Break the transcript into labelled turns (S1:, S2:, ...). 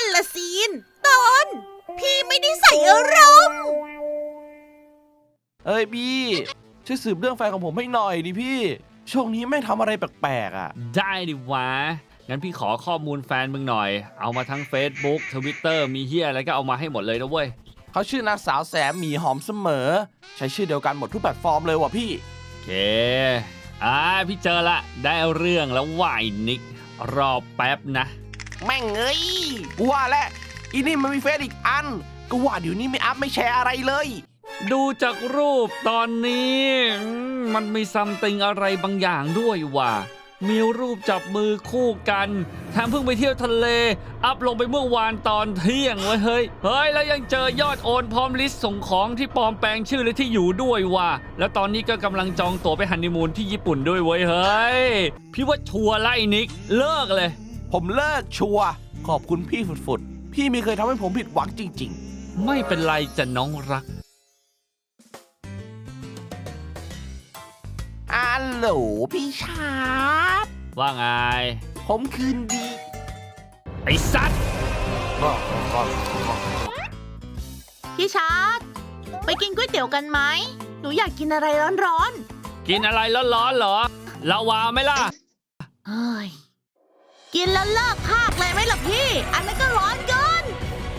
S1: นละซีนตอนพี่ไม่ได้ใส่อารมณ์
S2: เอ้ยพี่ช่วยสืบเรื่องแฟนของผมให้หน่อยดิพี่ช่วงนี้ไม่ทำอะไรแปลกๆอ่ะ
S3: ได้ดิวะงั้นพี่ขอข้อมูลแฟนมึงหน่อยเอามาทั้ง Facebook Twitter มีเฮียอะไรก็เอามาให้หมดเลยนะเว้ย
S2: เขาชื่อนางสาวแสมหมีหอมเสมอใช้ชื่อเดียวกันหมดทุกแพลตฟอร์มเลยว่ะพี่
S3: โอเคพี่เจอละได้เรื่องแล้วว่ายนิกรอแป๊บนะ
S2: แม่งเอ้ยกูว่าแล้วอีนี่มันมีเฟซอีกอันก็ว่าเดี๋ยวนี้ไม่อัพไม่แชร์อะไรเลย
S3: ดูจากรูปตอนนี้มันมีซัมติงอะไรบางอย่างด้วยว่ะมีรูปจับมือคู่กันแถมเพิ่งไปเที่ยวทะเลอัพลงไปเมื่อวานตอนเที่ยงเฮ้ยแล้วยังเจอยอดโอนพร้อมลิสต์ส่งของที่ปลอมแปลงชื่อและที่อยู่ด้วยว่ะแล้วตอนนี้ก็กำลังจองตั๋วไปฮันนีมูนที่ญี่ปุ่นด้วยเว้ยเฮ้ยพี่ว่าชัวร์ไล่นิกเลิกเลย
S2: ผมเลิกชัวร์ขอบคุณพี่ฝุดๆพี่ไม่เคยทำให้ผมผิดหวังจริง
S3: ๆไม่เป็นไรจะน้องรัก
S2: ฮัลโหลพี่ชาร์ป
S3: ว่าไง
S2: ผมคืนดี
S3: ไอ้สัตว์
S1: พี่ชาร์ตไปกินก๋วยเตี๋ยวกันไหมหนูอยากกินอะไรร้อน
S3: ๆกินอะไรร้อนๆเหรอลาวาไหมล่ะ
S1: เฮ้ยกินแล้วเลิกพากเลยไหมล่ะพี่อันนั้นก็ร้อนเกิ